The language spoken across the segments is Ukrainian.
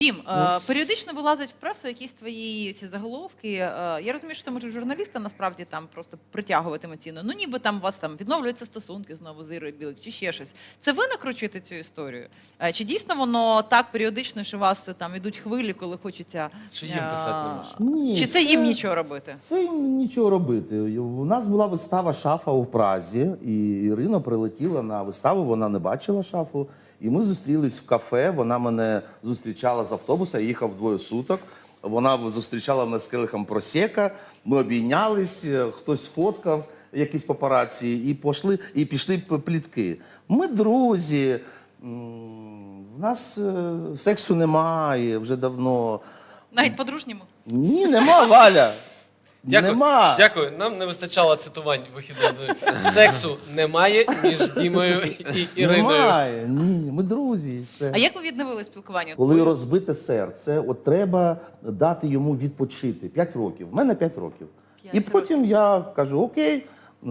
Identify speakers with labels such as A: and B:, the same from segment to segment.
A: Дім, періодично вилазять в пресу якісь твої ці заголовки. Я розумію, що це може журналіста насправді там просто притягувати емоційно. Ну ніби там у вас там відновлюються стосунки знову з Ірою Білик чи ще щось. Це ви накручуєте цю історію? Чи дійсно воно так періодично, що у вас там ідуть хвилі, коли хочеться...
B: Чи їм писати не можна?
C: Ні,
A: Чи це їм нічого робити?
C: Це їм нічого робити. У нас була вистава «Шафа» у Празі, і Ірина прилетіла на виставу, вона не бачила «Шафу». І ми зустрілись в кафе, вона мене зустрічала з автобуса, я їхав двоє суток. Вона зустрічала мене з келихом просека, ми обійнялись, хтось сфоткав, якісь папараці, і пішли плітки. Ми друзі, в нас сексу немає вже давно.
A: Навіть по-дружньому?
C: Ні, нема, Валя.
B: Дякую.
C: Нема.
B: Дякую. Нам не вистачало цитувань вихідного. Сексу немає між Дімою і Іриною.
C: Немає, ні, ми друзі, і все.
A: А як ви відновили спілкування?
C: Коли розбите серце, от треба дати йому відпочити. 5 років. В мене 5 років.
A: 5
C: І потім я кажу, окей,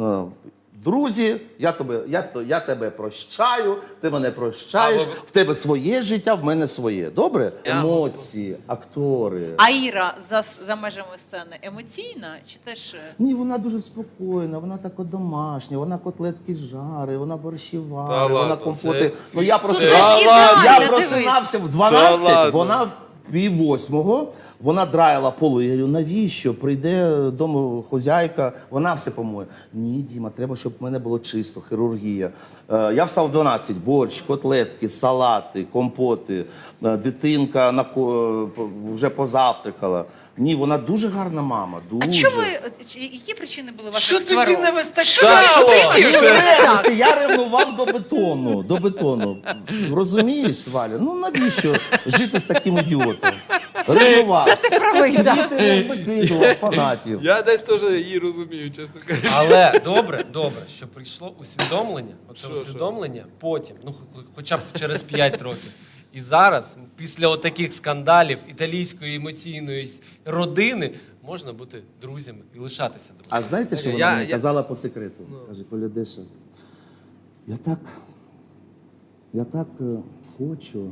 C: друзі, я тебе прощаю, ти мене прощаєш, в тебе своє життя, в мене своє. Добре? Емоції, актори.
A: А Іра за межами сцени емоційна чи теж...
C: Ні, вона дуже спокійна, вона така домашня, вона котлетки жарить, вона борщі
B: Та
C: варить, вона
B: ладно,
C: компоти.
B: це-
C: Ну я
A: це
C: просто
A: ж ідеально,
C: я
A: дивись.
C: просинався в
B: Та
C: 12,
B: ладно.
C: вона в пів-8, вона драїла поли. Я говорю, навіщо? Прийде домохозяйка, вона все помоє. Ні, Діма, треба, щоб в мене було чисто, хірургія. Я встав в 12, борщ, котлетки, салати, компоти, дитинка вже позавтракала. Ні, вона дуже гарна мама, дуже.
A: А що ви, які причини були ваших
B: Що
A: сварок?
B: тоді не вистачало?
C: Я ревнував до бетону. Розумієш, Валя? Ну навіщо жити з таким ідіотом? Ревнував.
A: Це ти правий, так.
C: Діти викидував фанатів.
D: Я десь теж її розумію, чесно кажучи.
B: Але добре, що прийшло усвідомлення, оце
D: Що?
B: усвідомлення потім, ну хоча б через 5 років. І зараз, після отаких скандалів італійської емоційної родини, можна бути друзями і лишатися друзями.
C: А знаєте, що вона мені казала по секрету? Каже, Коля Деша, я так хочу,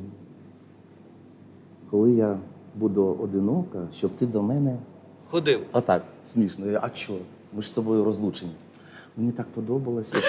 C: коли я буду одинока, щоб ти до мене...
D: Ходив.
C: Отак, смішно. А чого? Ми ж з тобою розлучені. Мені так подобалося.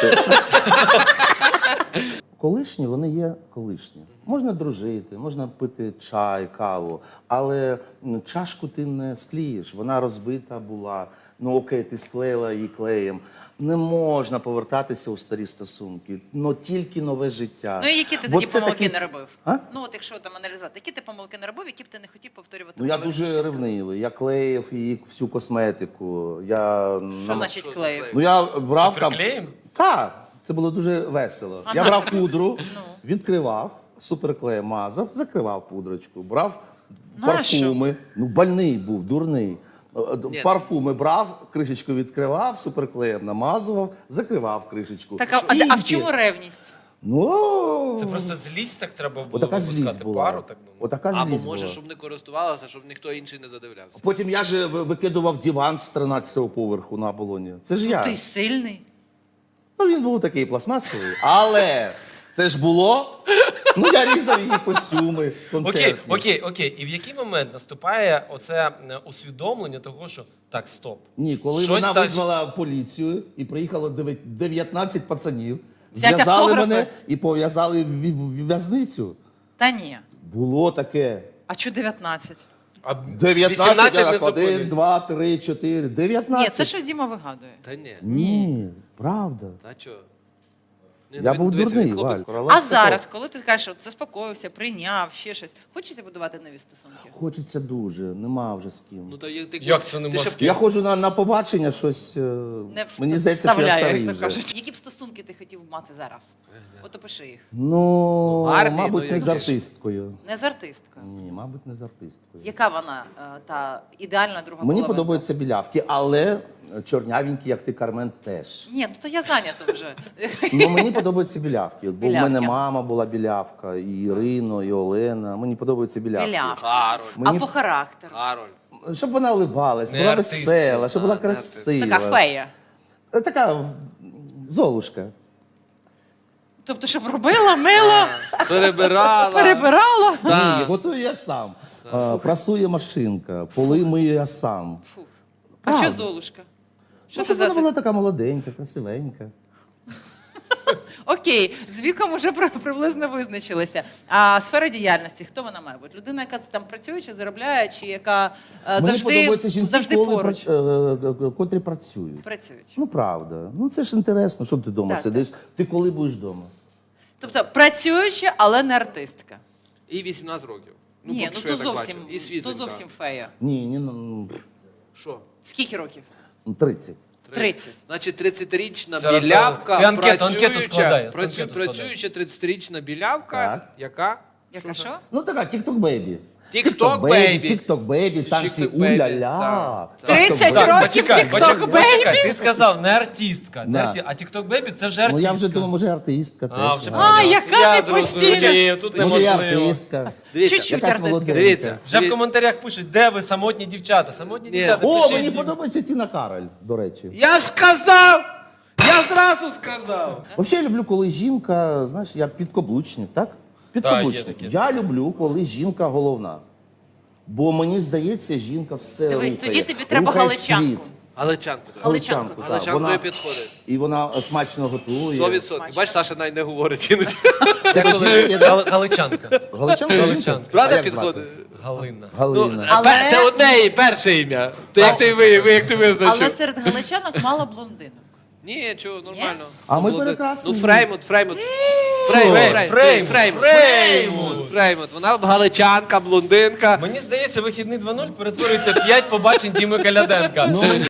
C: Колишні, вони є колишні. Можна дружити, можна пити чай, каву, але чашку ти не склеїш, вона розбита була. Ну окей, ти склеїла її клеєм. Не можна повертатися у старі стосунки, но тільки нове життя.
A: Ну і які ти
C: Бо
A: тоді
C: це
A: помилки
C: такий-
A: не робив?
C: А?
A: Ну от якщо там аналізувати, які ти помилки не робив, які б ти не хотів повторювати?
C: Ну я
A: в
C: дуже
A: нових
C: ревнивий, я клеїв її всю косметику.
A: Що значить клеїв?
C: Ну я брав там...
B: Суперклеєм?
C: Так, це було дуже весело. Я брав пудру, відкривав, суперклеєм мазав, закривав пудрочку, брав парфуми. Ну, больний був, дурний. Парфуми брав, кришечку відкривав, суперклеєм намазував, закривав кришечку.
A: Так, а в
C: Тільки.
A: чому ревність?
C: Ну,
B: Це просто злість так треба було
C: отака злість
B: випускати
C: була.
B: пару, так би мовити.
C: Отака
D: Або
C: злість
D: може,
C: була.
D: щоб не користувалася, щоб ніхто інший не задивлявся.
C: Потім я ж викидував диван з 13-го поверху на Оболоні. Це ж я.
A: Ти сильний.
C: Ну, він був такий пластмасовий, але це ж було. Ну, я різав її костюми, концертні.
B: Окей. І в який момент наступає оце усвідомлення того, що так, стоп.
C: Ні, коли
B: Щось
C: вона
B: так-
C: визвала поліцію і приїхало 19 пацанів,
A: Взяти
C: зв'язали
A: автографи?
C: мене і пов'язали в в'язницю.
A: Та ні.
C: Було таке.
A: А чого 19?
B: А
C: 19,
B: не
C: 1,
B: зупинить.
C: 2, 3, 4, 19.
A: Ні, це що Діма вигадує.
D: Та ні.
C: Ні, правда.
D: Та чого?
C: Я був дурний, Валь.
A: А зараз, коли ти кажеш, от заспокоївся, прийняв, ще щось, хочеться будувати нові стосунки?
C: Хочеться дуже, нема вже з ким.
D: Ну, то
B: Як це нема з ким?
C: Я ходжу на побачення, щось,
A: Не
C: мені здається, що я
A: вставляю,
C: старий
A: як то
C: вже.
A: кажуть. Які б стосунки ти хотів мати зараз? От опиши їх.
C: Ну,
D: гарний,
C: мабуть,
D: ну,
C: не
D: і
C: з артисткою.
A: Не з артисткою.
C: Ні, мабуть, не з артисткою.
A: Яка вона, та ідеальна друга
C: Мені
A: половинка?
C: подобаються білявки, але чорнявенькі, як ти, Кармен, теж.
A: Ні, ну то я зайнята вже.
C: Ну, мені подобаються білявки. Бо в
A: Білявки.
C: мене мама була білявка, і Ірино, і Олена. Мені подобаються білявки.
A: Білявка.
D: Кароль.
A: А
C: Мені-
A: по характеру?
D: Кароль.
C: Щоб вона улибалась,
B: Не
C: була
B: артистка.
C: весела, щоб була
D: не артистка.
C: красива.
A: Така фея.
C: Така золушка.
A: Тобто, щоб робила, мила,
D: Перебирала.
A: перебирала.
C: Ні, готую я сам. Прасує машинка, поли мию я сам.
A: Фу. А що Золушка? Що
C: Ну,
A: це
C: щоб
A: за...
C: вона була така молоденька, красивенька.
A: Окей, з віком вже приблизно визначилися. А сфера діяльності, хто вона має бути? Людина, яка там працює, чи заробляє, чи яка
C: Мені
A: завжди,
C: подобаються жінки,
A: завжди поруч
C: котрі працюють.
A: працюють.
C: Ну, правда. Ну, це ж інтересно, що ти вдома
A: Так,
C: сидиш. Ти коли будеш вдома?
A: Тобто працююча, але не артистка.
D: І 18 років.
A: Ні,
D: поки
A: ну
D: що
A: то
D: я так
A: зовсім,
D: бачу. І
A: то
D: світленька.
A: зовсім фея.
C: Ні, ну,
D: Що?
A: Скільки років?
C: 30.
A: 30.
D: Значить, 30-річна
B: Зараз,
D: білявка,
B: ти анкету складай, анкету
D: працююча 30-річна білявка,
C: Так.
D: яка?
A: Яка що?
C: Ну, така, тік-ток бейбі.
D: TikTok baby.
C: Тік-ток бейбі,
D: Це
C: танці
D: TikTok baby,
C: уля-ля.
D: так.
A: 30
C: Так,
A: років
B: почекай,
A: TikTok
B: почекай, ти сказав не артистка.
C: Да.
B: А TikTok Baby це вже артистка.
C: Ну, я вже думаю, може, артистка
B: А,
C: теж.
B: вже
C: Ага.
A: А,
B: Я
A: яка ти
B: зрозумів.
A: постійно.
B: Ні, тут
C: Може, я
B: неможливо.
C: артистка.
D: Дивіться,
A: Чуть-чуть
C: Якась
A: артистка.
C: молоденька.
D: Дивіться.
B: Вже в коментарях пишуть, де ви самотні дівчата. Самотні
D: Ні.
B: дівчата,
C: О,
B: пишіть
C: мені
B: їм.
C: подобається Тіна Кароль, до речі.
D: Я ж казав! Я зразу сказав!
C: Взагалі я люблю, коли жінка, знаєш, я підкаблучник, так? Підкаблучник.
B: є таке.
C: Я люблю, коли жінка головна. Бо мені здається, жінка все
A: Дивись,
C: рухає.
A: тоді тобі треба
C: Рухає
A: галичанку.
C: світ.
D: Галичанку.
A: Галичанку.
C: так.
D: Галичанкою
C: Вона-
D: підходить.
C: І вона смачно готує.
D: 100%. Бачиш, Саша навіть не говорить іноді.
B: Галичанка.
C: Галичанка?
B: Галичанка.
D: Правда
C: А як
D: підходить?
C: звати?
B: Галина.
C: Галина.
A: Але-
D: Це одне її перше ім'я. То як ти як ти
A: Але
D: визначив?
A: серед галичанок мало блондинок.
D: Ні, чого, нормально.
C: А ми
D: Ну,
C: прекрасні.
D: Ну, Фреймут.
B: Фреймут.
D: Фреймут. Вона галичанка, блондинка.
B: Мені здається, вихідний 2.0 перетворюється 5 побачень Діми Каляденка.